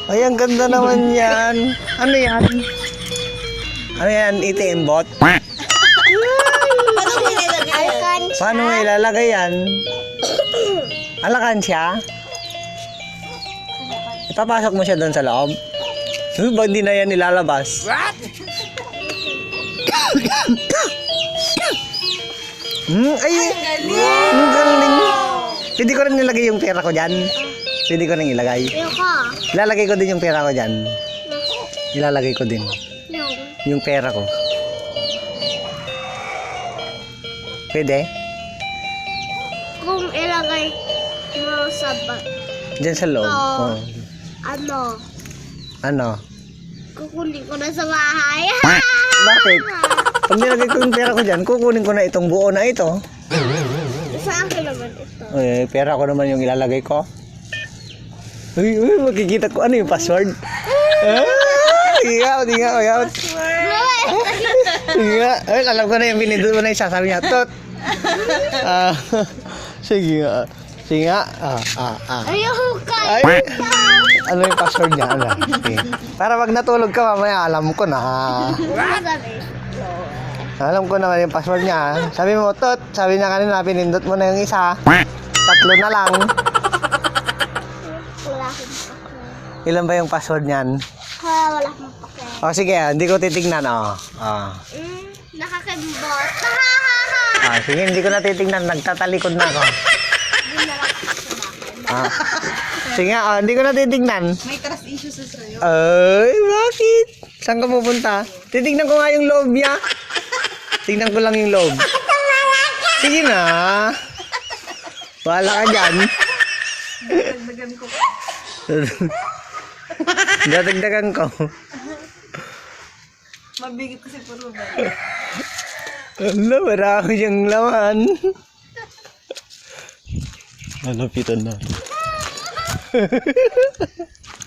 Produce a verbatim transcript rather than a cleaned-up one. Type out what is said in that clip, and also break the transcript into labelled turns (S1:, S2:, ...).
S1: Ay, ang ganda naman yan. Ano yan? Ano yan? A T M bot?
S2: Paano mo ilalagay yan?
S1: Paano mo ilalagay yan? Alakansya? Ipapasok mo siya doon sa loob? Uy, ba hindi na yan nilalabas?
S2: What?
S1: Hmm, ay, ang galing. Pwede ko rin nilagay yung pera ko dyan. Pwede ko rin ilagay.
S3: Ayoko.
S1: Ilalagay ko din yung pera ko dyan. Ilalagay ko din.
S3: Yung.
S1: Yung pera ko. Pwede?
S3: Kung ilagay mo sa ba...
S1: Dyan sa loob.
S3: Oo.
S1: Oh.
S3: Ano?
S1: Ano?
S3: Kukunin ko na sa bahay.
S1: Bakit? Pag nilagay ko yung pera ko dyan, kukunin ko na itong buo na ito.
S3: Sa akin naman ito.
S1: Uy, pera ko naman yung ilalagay ko. Uy, uy, makikita ko. Ano yung password? Ah, sige nga, sige nga, sige nga. Sige nga. Ay, alam ko na yung pinindot mo na yung sasabi niya. Tot! Ah, sige nga. Sige nga. Ah, ah, ah.
S3: Ayoko ka.
S1: Ay! Ano yung password niya? Ano? Okay. Para pag natulog ka mamaya, alam ko na. Alam ko naman yung password niya. Sabi mo, Tot, sabi niya kanina, pinindot mo na yung isa. Tatlo na lang.
S3: Wala akong pakay.
S1: Ilan ba yung password niyan?
S3: Ha, wala akong pakay.
S1: O sige, hindi ko titignan. Oh. Oh.
S3: Mm, nakakimbot. Ha, ha, ha.
S1: Ah, sige, hindi ko na titignan. Nagtatalikod na ako.
S3: Hindi na lang ako sa bahay.
S1: Ah. Sige, oh, hindi ko na titignan.
S2: May trust issues sa sa'yo.
S1: Ay, bakit? Saan ka pupunta? Titignan ko nga yung loob niya. Tignan ko lang yung loob. Sige na. Wala ka dyan.
S2: Dagdagan ko.
S1: Dadagdagan ko.
S2: Mabigat kasi puro ba?
S1: Ano, marami siyang laman. Nalapitan na.